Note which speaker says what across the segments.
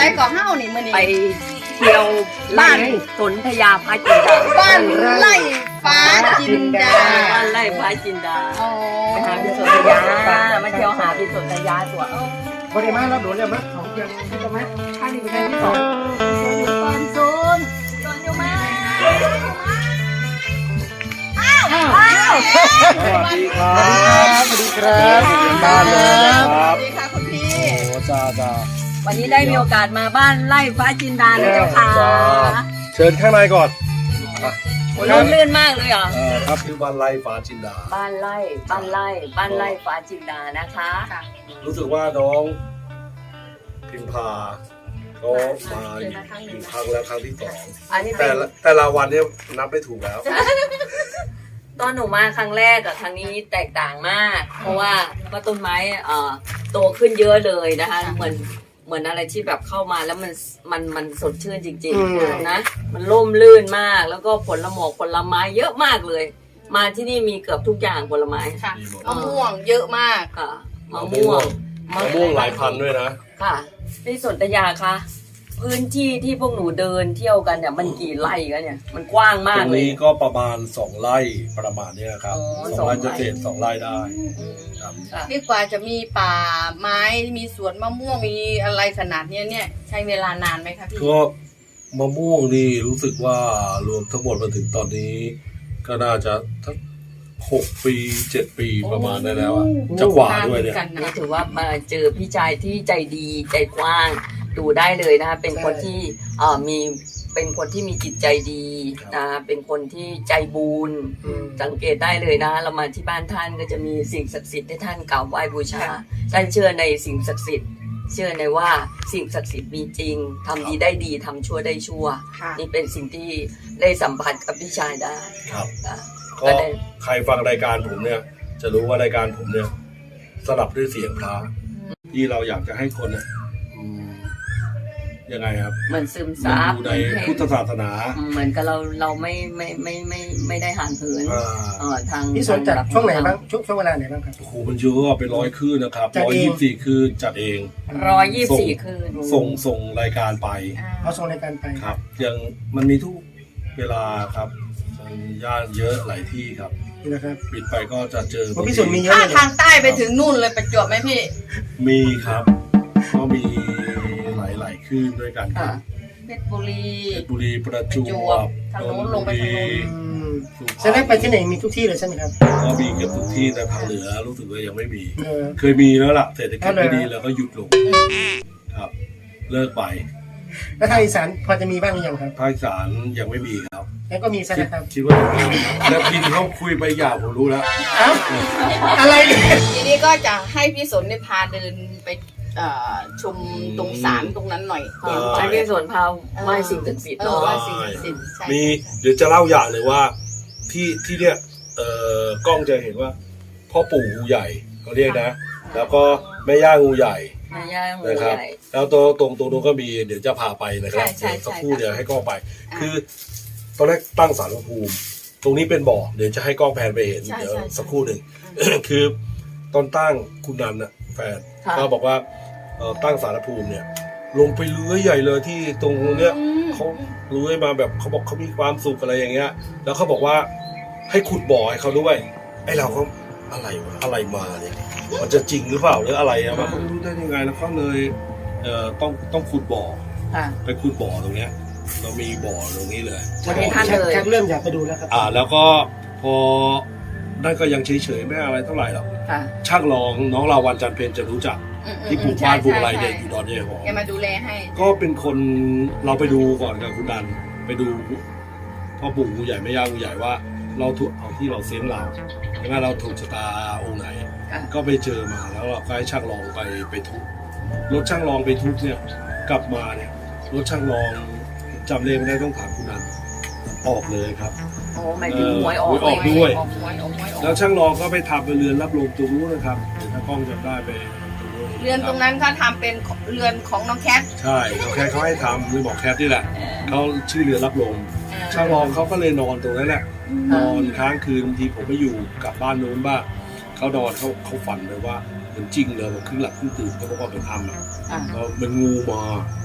Speaker 1: ก่อเฮ้านี่มื้อนี้
Speaker 2: ไปเที่ยวบ้านสนธยาพระจินดา
Speaker 1: บ้านไร่ฟ้าจินดา
Speaker 2: บ้านไร่พระจินดา
Speaker 1: อ๋อ
Speaker 2: ไปหาพี่สนธยามาเที่ยวหาพี่สนธยาตัว
Speaker 3: บริมาแล้วโดนเลยมั้ยของเดือนที่จะมั้ยข้างนี้เป็นแค่ที่สอง
Speaker 2: ตอนโซนอยู่มา
Speaker 4: สวัสดีครับ
Speaker 3: สวัสดีครับบ้านเลยนะครับ
Speaker 1: สวัสดีค่ะคุณพี่
Speaker 4: โอ้จ้า
Speaker 2: วันนี้ได้มีโอกาสมาบ้านไร่พระจินดานะเจ้าค่ะ
Speaker 4: เชิญข้างในก่อน
Speaker 2: ร่มรื่นมากเลยเหรอ
Speaker 4: ครับคือบ้านไร่ฟ้าจินดา
Speaker 2: บ้านไร่ฟ้าจินดานะคะ
Speaker 4: รู้สึกว่าน้องพิมพาเขามาอยู่ครั้งแล้วครั้งที่สอง
Speaker 2: อันนี้เป็น
Speaker 4: แต่ละวันเนี่ยนับไม่ถูกแล้ว
Speaker 2: ตอนหนูมาครั้งแรกกับครั้งนี้แตกต่างมาก เพราะว่าต้นไม้โตขึ้นเยอะเลยนะคะเหมือนอะไรที่แบบเข้ามาแล้วมันสดชื่นจริงๆนะมันร่มรื่นมากแล้วก็ผลไม้เยอะมากเลย มาที่นี่มีเกือบทุกอย่างผลไม้
Speaker 1: ค่ะมะม่วงเยอะมาก
Speaker 2: ค่ะมะม่วง
Speaker 4: หลายพันด้วยนะ
Speaker 2: ค่ะพี่สนธยาคะพื้นที่ที่พวกหนูเดินเที่ยวกันเนี่ยมันกี่ไร่กันเนี่ยมันกว้าง
Speaker 4: ต
Speaker 2: มาก
Speaker 4: รง
Speaker 2: เลย
Speaker 4: นี้ก็ประมาณ2ไร่ประมาณเนี้ยครับ
Speaker 2: อ๋อ
Speaker 4: 2 ไร่
Speaker 2: 2
Speaker 4: จะเศษ2ไร่ได้ครับ
Speaker 2: ค่ะ
Speaker 1: นี่กว่าจะมีป่าไม้มีสวนมะม่วงมีอะไรขนาดเนี้ยเนี่ยใช้เวลานานไหมคะพี่
Speaker 4: ก็มะม่วงนี่รู้สึกว่ารวมทั้งหมดมาถึงตอนนี้ ก็น่าจะทั้ง6 ปี 7 ปีประมาณได้แล้วอะจะกว่าด้วยเนี่ย
Speaker 1: กัน
Speaker 2: นี่
Speaker 1: นะ
Speaker 2: ถือว่ามาเจอพี่ชายที่ใจดีใจกว้างดูได้เลยนะคะเป็นคนที่เป็นคนที่มีจิตใจดีนะเป็นคนที่ใจบุญสังเกตได้เลยนะเรามาที่บ้านท่านก็จะมีสิ่งศักดิ์สิทธิ์ให้ท่านกราบไหว้บูชาท่านเชื่อในสิ่งศักดิ์สิทธิ์เชื่อในว่าสิ่งศักดิ์สิทธิ์มีจริงทำดีได้ดีทำชั่วได้ชั่ว
Speaker 1: ค่ะ
Speaker 2: นี่เป็นสิ่งที่ได้สัมผัสกับพี่ชายได้
Speaker 4: ครับ
Speaker 2: อ่ะ
Speaker 4: ก็ใครฟังรายการผมเนี่ย จะรู้ว่ารายการผมเนี่ยสลับด้วยเสียงพระที่เราอยากจะให้คนเนี่ยยังไงครับ
Speaker 2: เหมือนซึม
Speaker 4: มัน
Speaker 2: ซับ
Speaker 4: อยู่ในพุทธศาสนา
Speaker 2: เหมือนกับเราไม่ได้ห่างเหินทาง
Speaker 3: พี่สนจัดช่วงไหนบ้างช่วงเวลาไหนบ้างครับ
Speaker 4: โอ้โหมันเยอะเป็น100 คืนนะครับ
Speaker 3: จัดเอง
Speaker 4: 124 คืนจัดเอง
Speaker 2: 124 คืน
Speaker 4: ส่งรายการไป
Speaker 3: เอาส่งในการไป
Speaker 4: ครับยังมันมีทุกเวลาครับมันย่านเยอะหลายที่ครับ
Speaker 3: นี่นะครับ
Speaker 4: ปิดไปก็จะเจอ
Speaker 3: เพราะพี่สนมีเยอะ
Speaker 1: ถ้า
Speaker 3: เลย
Speaker 1: ทางใต้ไปถึงนู่นเลยประจวบไหมพี่
Speaker 4: มีครับ ก็มีหลายคืนด้วยกันครับ
Speaker 1: เพชรบุรี
Speaker 4: เพชรบุรีประจวบ
Speaker 1: ทางโน้นลงไปทางโน้น
Speaker 3: อืมจะได้ไปที่ไหนมีทุกที่เลยใช่ไหมครับ
Speaker 4: ก็มีเกือบทุกที่แต่ทางเหนือรู้สึกว่ายังไม่มี
Speaker 3: เออ
Speaker 4: เคยมีแล้วล่ะเศรษฐกิจไม่ดี
Speaker 3: เอาเลย
Speaker 4: แล้วก็หยุดลงครับ เลิกไป
Speaker 3: แล้วทางอีสานพอจะมีบ้างหรือยังครับ
Speaker 4: ภาคอีสานยังไม่มีครับ
Speaker 3: แล้วก็มีใช่ไหมครับ
Speaker 4: คิดว่าจะมีแล้วทีนี้เขาคุยไปอย่างผมรู้แล้ว
Speaker 3: เอ้าอะไรเนี่ย
Speaker 1: ทีนี้ก็จะให้พี่สนได้พาเดินไปชมตรงศาลตรงนั้นหน่อย
Speaker 2: ใช้พี่สวนพาไหว้สิ่งศักดิ์สิทธิ์
Speaker 1: เออ
Speaker 2: เนาะ
Speaker 1: ว่าสิ่งศักดิ์สิทธิ์ใช่
Speaker 4: มีเดี๋ยวจะเล่าอย่างเลยว่าที่เนี่ยกล้องจะเห็นว่าพ่อปู่งูใหญ่เขาเรียกนะ แล้วก็แม่ย่างูใหญ่
Speaker 2: แม่ย่างู
Speaker 4: นะครับ
Speaker 2: ใหญ่
Speaker 4: แล้วตรงนู้นก็มีเดี๋ยวจะพาไปนะครับเดี๋ยวสักครู่เดี๋ยวให้กล้องไป คือตอนแรกตั้งศาลพระภูมิ ตรงนี้เป็นบ่อเดี๋ยวจะให้กล้องแพนไปเห็นเดี๋ยวสักครู่หนึ่ง คือตอนตั้งคุณนันน่ะแฟนก็บอกว่าตั้งศาลพระภูมิเนี่ย ลงไปเลื้อยใหญ่เลยที่ตรงเนี้ยเขาเลื้อยมาแบบเขาบอกเขามีความสุขอะไรอย่างเงี้ย แล้วเขาบอกว่าให้ขุดบ่อให้เขาด้วยไอ้เราก็อะไรวะอะไรมาเนี่ยมันจะจริงหรือเปล่าหรืออะไรอะมันรู้ได้ยังไงแล้วเขาเลยต้องขุดบ่อ
Speaker 2: ค่ะ
Speaker 4: ไปขุดบ่อตรงเนี้ย เรามีบ่อตรงนี้เลย
Speaker 2: วันนี้ท่านเลย
Speaker 3: ชักเริ่มอยากไปดูแล้วครับ
Speaker 4: แล้วก็พอนั่นก็ยังเฉยๆไม่อะไรเท่าไหร่หรอก
Speaker 2: ค่ะ
Speaker 4: ช่างรองน้องลาวันจันทร์เพญจะรู้จักที่ปลูกบ้านปลูกอะไรเนี่ยอยู่ดอนเยหอ
Speaker 1: แกมาดูแลให้
Speaker 4: ก็เป็นคนเราไปดูก่อนกับคุณดันไปดูพ่อปู่งูใหญ่แม่ย่างูใหญ่ว่า เราถูกเอาที่เราเซ้นเราใช่ไหมเราถูกชะตาองค์ไหน ก็ไปเจอมาแล้วเราก็ให้ช่างรองไปทุบรถช่างรองไปทุบเนี่ยกลับมาเนี่ยรถช่างรองจำเลขไม่ได้ต้องถามคุณนันออกเลยครับ
Speaker 2: โอ้หมายถึงหวยออก
Speaker 4: หวยออกด้วย
Speaker 1: ออกหวยออกหวยออก
Speaker 4: แล้วช่างรองก็ไปทำเป็นเรือนรับลมตรงนู้นนะครับเดี๋ยวถ้ากล้องจำได้ไปตรงนู้น
Speaker 1: เรือนตรงนั้นก็ทำเป็นเรือนของน้องแคท
Speaker 4: ใช่น้องแคทเขาให้ทำเลยบอกแคทนี่แหละเขาชื่อเรือนรับลมช่างรองเขาก็เลยนอนตรงนั้นแหละนอนค้างคืนบางทีผมไม่อยู่กลับบ้านนู้นบ้างเขานอนเขาฝันเลยว่าเหมือนจริงเลยว่าครึ่งหลับครึ่งตื่นเขาบอกว่าเป็นอัมอ่ะแล้วมันงูมา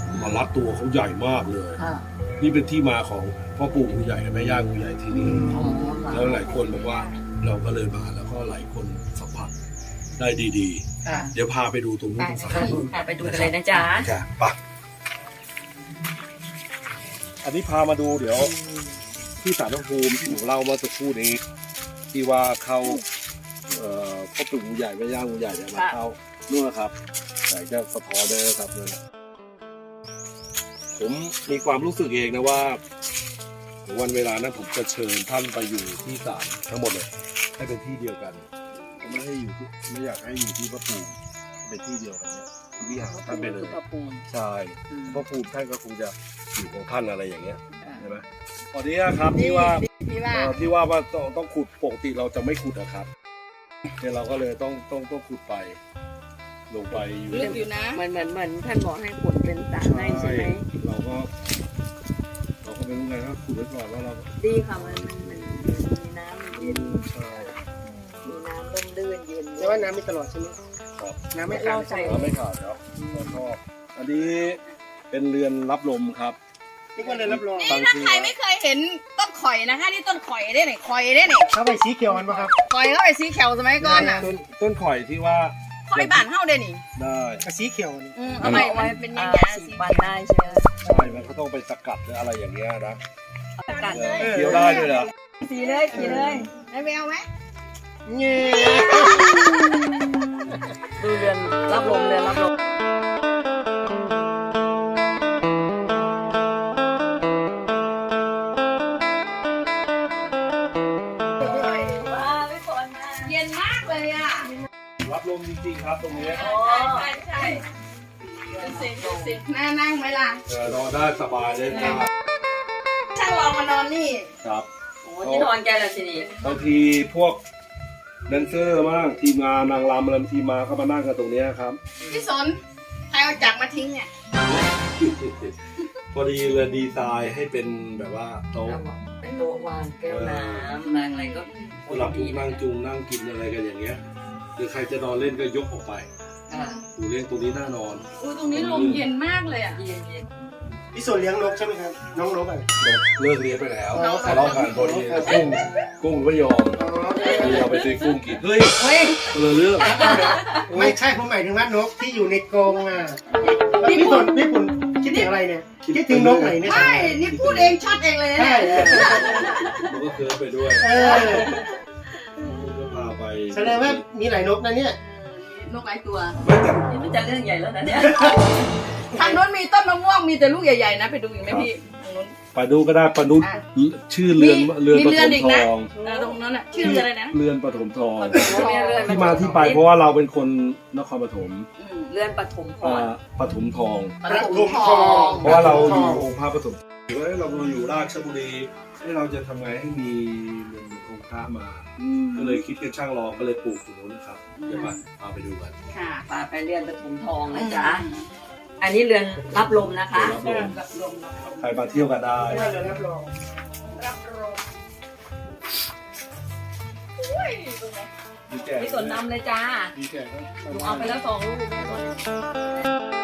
Speaker 4: มารัดตัวเขาใหญ่มากเลย
Speaker 2: ค่ะ
Speaker 4: นี่เป็นที่มาของพ่อปู่งูใหญ่กับแม่ย่างูใหญ่ที่นี่
Speaker 2: อ๋อค่ะ
Speaker 4: แล้วหลายคนบอกว่าเราก็เลยมาแล้วก็หลายคนสัมผัสได้ดี
Speaker 1: ค่ะ
Speaker 4: ๆ เดี๋ยวพาไปดูตรงนู้นตรงสา
Speaker 2: ค่ะไปดูกันเลยนะจ๊ะ
Speaker 4: ค่ะไปอันนี้พามาดูเดี๋ยวที่ศาลพระภูมิที่ผมเล่าเมื่อสักครู่นี้ ที่ว่าเข้าพ่อปู่งูใหญ่แม่ย่างูใหญ่เนี่ยมาเข้านู่นนะครับแต่จะสะท้อนได้นะครับนั่นน่ะผมมีความรู้สึกเองนะว่าวันเวลานั้นผมจะเชิญท่านไปอยู่ที่ศาลทั้งหมดเลยให้เป็นที่เดียวกันผมไม่ให้อยู่ที่ไม่อยากให้อยู่ที่พระภูมิเป็นที่เดียวกันเนี่ยที่วิหารท่านไปเลย
Speaker 2: พระภูมิ
Speaker 4: ใช่
Speaker 2: อืม
Speaker 4: พระภูมิท่านก็คงจะอยู่ของท่านอะไรอย่างเงี้ย
Speaker 2: อ่า
Speaker 4: ใช่ไหมตอนนี้นะครับที่ว่า
Speaker 1: ที่ว่า
Speaker 4: ที่ว่าต้องขุดปกติเราจะไม่ขุดนะครับเนี่ยเราก็เลยต้องขุดไป ลงไปอยู่
Speaker 1: ลึกอยู่นะ
Speaker 2: เหมือนท่านบอกให้ขุดเป็นสระให้ใช่ไหม
Speaker 4: เราก็ไม่รู้ไงก็ขุดไว้ก่อนแล้วเรา
Speaker 2: ดีค่ะมันมีน้ำมันเย็น
Speaker 4: ใช่
Speaker 2: มีน้ำร่มรื่นเย็น
Speaker 3: แต่ว่าน้ำมีตลอดใช่ไหม
Speaker 4: ครับ
Speaker 3: น้ำไม่ขาดใช่ไหม
Speaker 4: ไม่ขาดครับเราชอบอันนี้เป็นเรือนรับลมครับ
Speaker 3: นี่ก็เลยรับรอง
Speaker 1: นี่ถ้าใครไม่เคยเห็นต้นข่อยนะคะนี่ต้นข่อยได้ไหนข่อยได้ไหน
Speaker 3: เข้าไปสีเขียวมันปะครับ
Speaker 1: ข่อยเข้าไปสีเขียวสมัยก่อนน่ะ
Speaker 4: ต้นข่อยที่ว่า
Speaker 1: ข่อยบ้านเฮาได้นี่
Speaker 4: ได้
Speaker 3: กับสีเขียวนี่
Speaker 1: เอาไปไว้เป็นยังไง
Speaker 2: สีปันได้ใช่ไหม
Speaker 4: ใช่มันก็ต้องไปสกัดหรืออะไรอย่างเงี้ยนะ
Speaker 2: สกัด
Speaker 4: เคี้ยวได้ด้วยเหรอ
Speaker 2: สีเลยสีเลย
Speaker 1: ได้ไปเอาไหม
Speaker 3: เงี้ย
Speaker 2: ดูเรือนรับลมเรือนรับลมว้าวไม่ฝนนะ
Speaker 1: เย็นมากเลยอ่ะ
Speaker 4: รับลมจริงๆครับตรงนี้
Speaker 1: ใช่ดูสิน่านั่งไหมล่ะ
Speaker 4: นอนได้สบายเลยครับ
Speaker 1: ช่างลองมานอนนี่
Speaker 4: ครับ
Speaker 2: โอ้ที่นอนแกละสินี่
Speaker 4: บางทีพวกแดนเซอร์บ้างทีมงานนางรำอะไรทีมมาก็มานั่งกันตรงเนี้ยครับ
Speaker 1: พี่สนใครเอาจักรมาทิ้งเนี่ย
Speaker 4: พอดีเลยดีไซน์ให้เป็นแบบว่าโต๊ะ
Speaker 2: เป็นโต๊ะวางแก้วน้ำวางอะไรก็
Speaker 4: สำหรับผู้นั่งจุงนั่งกินอะไรกันอย่างเงี้ยหรือใครจะนอนเล่นก็ยกออกไป
Speaker 2: อ่า
Speaker 4: ดูเล่นตรงนี้น่านอน
Speaker 1: อุ้ยตรงนี้ลมเย็นมากเลยอ่ะ
Speaker 2: เย็นเย็น
Speaker 3: พี่ส่วนเลี้ยงนกใช่ไหมครับน้องนกอ่ะ
Speaker 4: เลิกเลี้ยงไปแล้ว
Speaker 3: อ๋อ
Speaker 4: ทะเลาะกันพอดีกุ้งไม่ยอม
Speaker 3: อ๋อ
Speaker 4: เราไปซื้อกุ้งกินเฮ้ย
Speaker 2: เฮ้ย
Speaker 4: คนละเรื่อง
Speaker 3: ไม่ใช่ผมหมายถึงว่านกที่อยู่ในกรงอ่ะพี่ผลคิดถึงอะไรเนี่ยคิดถึงนกไหนเนี่ย
Speaker 1: ไม่นี่พูดเองช็อตเองเลยนะ
Speaker 3: ใช่
Speaker 1: เนี่ย
Speaker 4: มันก็เคิร์ฟไปด้วย
Speaker 3: เออ
Speaker 4: ก็พาไป
Speaker 3: แสดงว่ามีหลายนกนะเนี่ย
Speaker 1: นกหลายตัว
Speaker 4: ไม่แต่
Speaker 2: เดี๋ยวมันจะเรื่องใหญ่แล้วนะเนี่ย
Speaker 1: ทางโน้นมีต้นมะม่วงมีแต่ลูกใหญ่ๆนะไปดูอีกไหมพี่ทางโน้น
Speaker 4: ไปดูก็ได้ปนุษ
Speaker 1: อ่ะ
Speaker 4: ชื่อเรือน
Speaker 1: มี
Speaker 4: ป
Speaker 1: เรื
Speaker 4: ฐ
Speaker 1: อน
Speaker 4: ม
Speaker 1: อีก
Speaker 4: ท
Speaker 1: นะ
Speaker 4: อง
Speaker 1: ตรงนั้นอ่ะชื่ออะไรนะ
Speaker 4: เรือนปฐมทอง
Speaker 2: เรือน
Speaker 4: ที่มาที่ไปเพราะว่าเราเป็นคนนครปฐม
Speaker 2: เรือนปฐมพร
Speaker 4: ปฐมทอง
Speaker 1: ประตูทอง
Speaker 4: เพราะว่าเราอยู่องค์พระปฐมหรือว่าเราอยู่ราชบุรีให้เราจะทำไงให้มีเรือนองค์พระมา ก็เลยคิดกันช่างรอก็เลยปลูกตรงนู้นนะครับเดี๋ยวมาพาไปดูกัน
Speaker 1: ค่ะ
Speaker 2: ป่าไปเรือนปฐมทองนะจ๊ะอันนี้เรือนรับลมนะคะ
Speaker 4: รับลมใครมาเที่ยวกันได้
Speaker 3: ได้เลยรับรอง
Speaker 1: รับรอง
Speaker 4: ดีแก่
Speaker 2: พี่สนนำเลยจ้า
Speaker 4: ดีแก่ก็
Speaker 2: หนูเอาไปแล้ว2 ลูก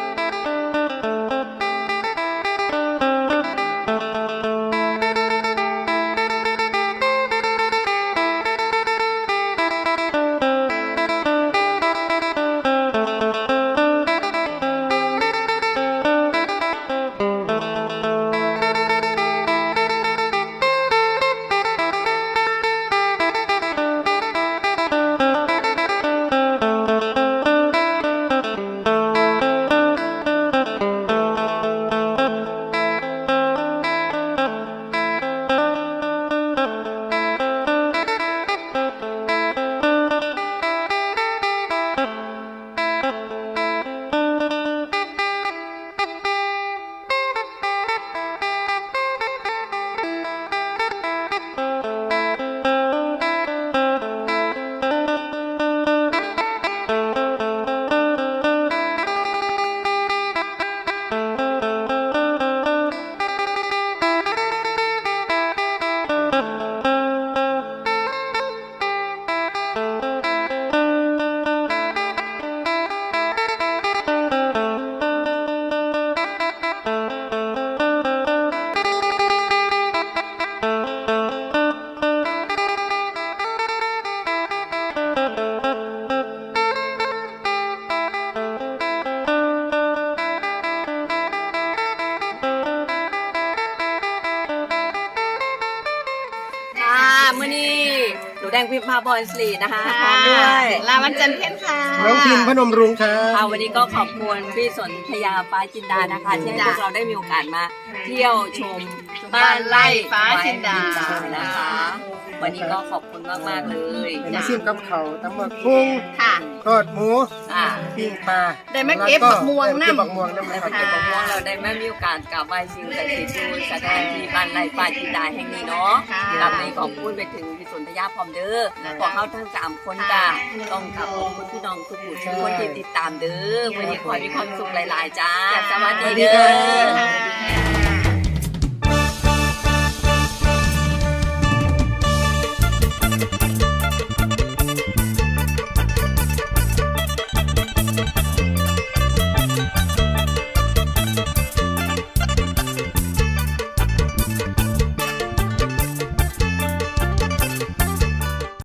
Speaker 2: พิมพาพรศรีนะคะพร้อมด้วย
Speaker 1: ลาวันจันทร์เพ็ญค่ะ
Speaker 3: น้องพิมพ์พนมรุ้งครับ
Speaker 2: ค่ะวันนี้ก็ขอบคุณพี่สนธยาฟ้าจินดานะคะที่ให้พวกเราได้มีโอกาสมาเที่ยวชมบ้านไร่ฟ้าจินดานะคะ วันนี้ก็ขอบคุณมากๆเลย
Speaker 3: มาซิมกับเขาวตำบักหุ่ง
Speaker 1: ค่ะ
Speaker 3: ทอดหมู
Speaker 2: อ่า
Speaker 3: ปิ้งปลา
Speaker 1: ได้มาเก็บบักม่วง
Speaker 3: เก็บ
Speaker 1: น้ำ
Speaker 3: บักม่วงน้ำ
Speaker 2: ได้
Speaker 3: นะค
Speaker 2: มา
Speaker 3: รับ
Speaker 2: เก็บของม่วงเราได้มามีโอกาสกราบไหว้สิ่งศักดิ์สิทธิ์ดูสถานที่บ้านไร่ฟ้าจินดาแห่งนี้เนาะ
Speaker 1: ค่ะ
Speaker 2: กลับในขอบคุณไปถึงพี่สนธยาพร้อมเด้อพวกเขาทั้ง3คนจ้าต้องขอบคุณพี่น้องทุกคนที่ติดตามเด้อวันนี้ขอให้มีความสุขหลายๆจ้าสวัสดีเด้อ